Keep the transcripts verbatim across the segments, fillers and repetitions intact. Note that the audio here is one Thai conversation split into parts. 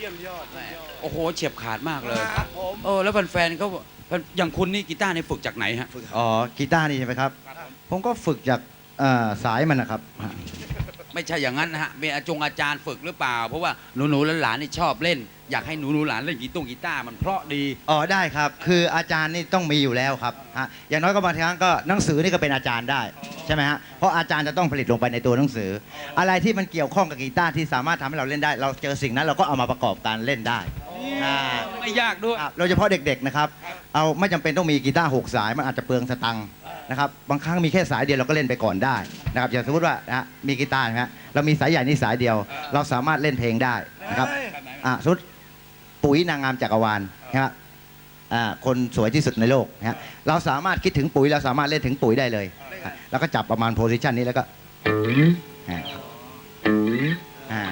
ยมยอดเยี่ยมยอดโอ้โหเฉียบขาดมากเลยครับผมเออแล้วแฟนๆเขาอย่างคุณนี่กีตาร์นี่ฝึกจากไหนฮะอ๋อกีตาร์นี่ใช่ไหมครับ ผมก็ฝึกจากเอ่อสายมันนะครับไม่ใช่อย่างนั้นนะฮะมีอาจงอาจารย์ฝึกหรือเปล่า เพราะว่าหนูๆหลานๆนี่ชอบเล่น อยากให้หนูๆหลานเล่นกีตงกีตาร์มันเพราะดีอ๋อได้ครับ คืออาจารย์นี่ต้องมีอยู่แล้วครับฮะอย่างน้อยก็บางครั้งก็หนังสือนี่ก็เป็นอาจารย์ได้ใช่ไหมฮะเพราะอาจารย์จะต้องผลิตลงไปในตัวหนังสือ อะไรที่มันเกี่ยวข้องกับกีตาร์ที่สามารถทำให้เราเล่นได้ เราเจอสิ่งนั้นเราก็เอามาประกอบการเล่นได้อ่าไม่ยากด้วยครับโดยเฉพาะเด็กๆนะครับเอาไม่จำเป็นต้องมีกีตาร์หกสายมันอาจจะเปลืองสตังค์นะครับบางครั้งมีแค่สายเดียวเราก็เล่นไปก่อนได้นะครับอย่างสมมติว่านะฮะมีกีตาร์นะฮะเรามีสายใหญ่นี่สายเดียว เราสามารถเล่นเพลงได้นะครับอ่าสมมติปุ๋ยนางงามจักรวาลนะครับอ่าคนสวยที่สุดในโลกนะฮะเราสามารถคิดถึงปุ๋ยเราสามารถเล่นถึงปุ๋ยได้เลยแล้วก็จับประมาณโพสิชันนี้แล้วก็อ่าอ่า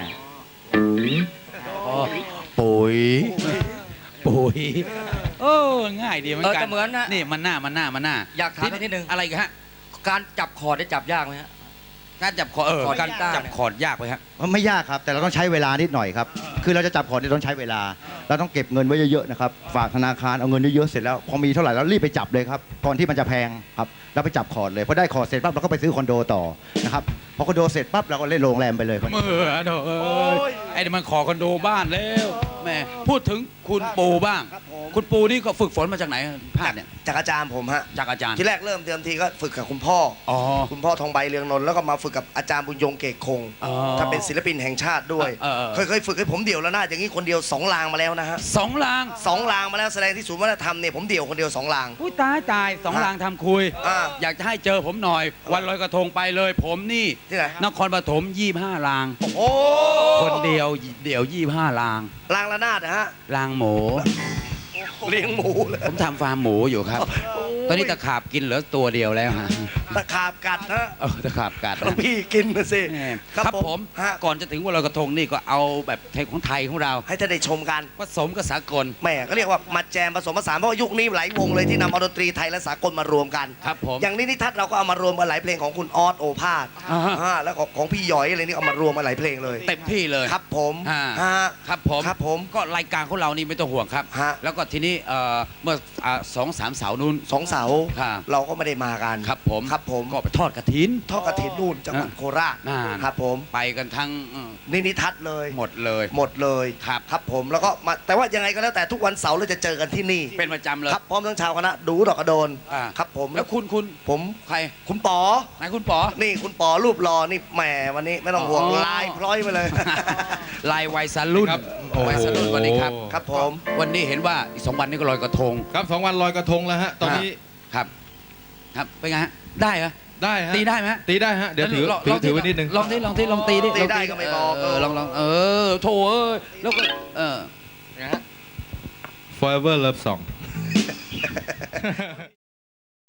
ปุ๋ยปุ๋ยโอ้ง่ายดีเหมือนเออกันแต่เหมือนนะนี่มันหน้ามันหน้ามันหน้าอยากถามอีกนิดนึงอะไรกันฮะการจับคอร์ดได้จับยากไหมฮะการจับคอร์ดเออคอร์ดการกีตาร์จับคอร์ดยากไหมฮะมันไม่ยากครับแต่เราต้องใช้เวลานิดหน่อยครับคือเราจะจับคอร์ดเนี่ยต้องใช้เวลา เราต้องเก็บเงินไว้เยอะๆนะครับฝากธนาคารเอาเงินเยอะๆเสร็จแล้วพอมีเท่าไหร่เรารีบไปจับเลยครับก่อนที่มันจะแพงครับเราไปจับคอร์ดเลยพอได้คอร์ดเสร็จปั๊บเราก็ไปซื้อคอนโดต่อนะครับพอคอนโดเสร็จปั๊บเราก็เล่นโรงแรมไปเลยเมื่อโถเอ้ยไอ้นี่มันขอคอนโดบ้านแล้วแม่พูดถึงคุณปูบ้างครับผมคุณปูนี่ก็ฝึกฝนมาจากไหนภาคเนี่ยจากอาจารย์ผมฮะจากอาจารย์ที่แรกเริ่มเดิมทีก็ฝึกกับคุณพ่ออ๋อคุณพ่อทองใบเรืองนนท์แล้วก็มาฝึกกับอาจารย์บุญยงเกกคงอ๋อถ้าเป็นศิลปินแห่งชาติด้วยเออเออเคยเคยฝึกให้ผมเดี่ยวแล้วนะอย่างนี้คนเดียวสองลางมาแล้วนะฮะสองลางสองลางมาแล้วแสดงที่ศูนย์วัฒนธรรมเนี่ยผมเดี่ยวคนเดียวสองลางอุ้ยตายตายสองลางทำคุยอ่าอยากจะให้เจอผมหน่อย วันลอยกระทงไปเลย ผมนี่ที่ไหนนครปฐมยี่ห้าลางโอ้คนเดียวเดี่ยวยี่ห้าลางลางระนาดนะฮะลางหมูเลี้ยงหมูเลยผมทำฟาร์มหมูอยู่ครับ ตอนนี้ตะขาบกินเหลือตัวเดียวแล้วฮะตะขาบกัดฮะเออตะขาบกัดหลวงพี่กินมาสิแหมครับครับผมผมฮะก่อนจะถึงวันลอยกระทงนี่ก็เอาแบบไทยของไทยของเราให้ท่านได้ชมกันผสมกับสากลแหม่ก็เรียกว่ามาแจมผสมผสานเพราะว่ายุคนี้หลายวงเลยที่นำเอาดนตรีไทยและสากลมารวมกันครับผมอย่างนี้นิทัศน์เราก็เอามารวมกันหลายเพลงของคุณออสโอภาสอ่าฮะอ่าแล้วก็ของพี่หยอยอะไรนี่เอามารวมมาหลายเพลงเลยเต็มที่เลยครับผมอ่าฮะครับผมครับผมก็รายการของเรานี่ไม่ต้องห่วงครับฮะแล้วก็ทีนี้เอ่อเมื่ออ่าสองสามเสาร์นู้นสองเสาครับเราก็ไม่ได้มากันครับผมครับผมก็ไปทอดกระถินทอดกระถิ่นนู่นจังหวัดโคราชน่าครับผมไปกันทั้งเอ่อนี่นิทัศน์เลยหมดเลยหมดเลยครับครับผมแล้วก็มาแต่ว่ายังไงก็แล้วแต่ทุกวันเสาร์เราจะเจอกันที่นี่เป็นประจำเลยครับพร้อมทั้งชาวคณะดูดอกกระโดนอ่าครับผมแล้วคุณคุณผมใครคุณป๋อไหนคุณป๋อนี่คุณป๋อรูปรอนี่แหมวันนี้ไม่ต้องห่วงอ๋อลายพร้อยมาเลยลายวัยสรุ่นครับโอ้โหวัยสรุ่นวันนี้ครับครับผมวันนี้เห็นว่าอีกสองวันนี้ก็ลอยกระทงครับสองวันลอยกระทงแล้วฮะ ตอนนี้ครับ ครับเป็นไงฮะได้เหรอได้ฮะตีได้ไหมฮะตีได้ฮะ เดี๋ยวถือลงถืลอง ถือไว้นิดนึงลองที่ลองที่ลองตีดิตีได้ลงก็ไม่บอกเออลองลองเออโถเอ้ยแล้วก็เออ Forever Love Song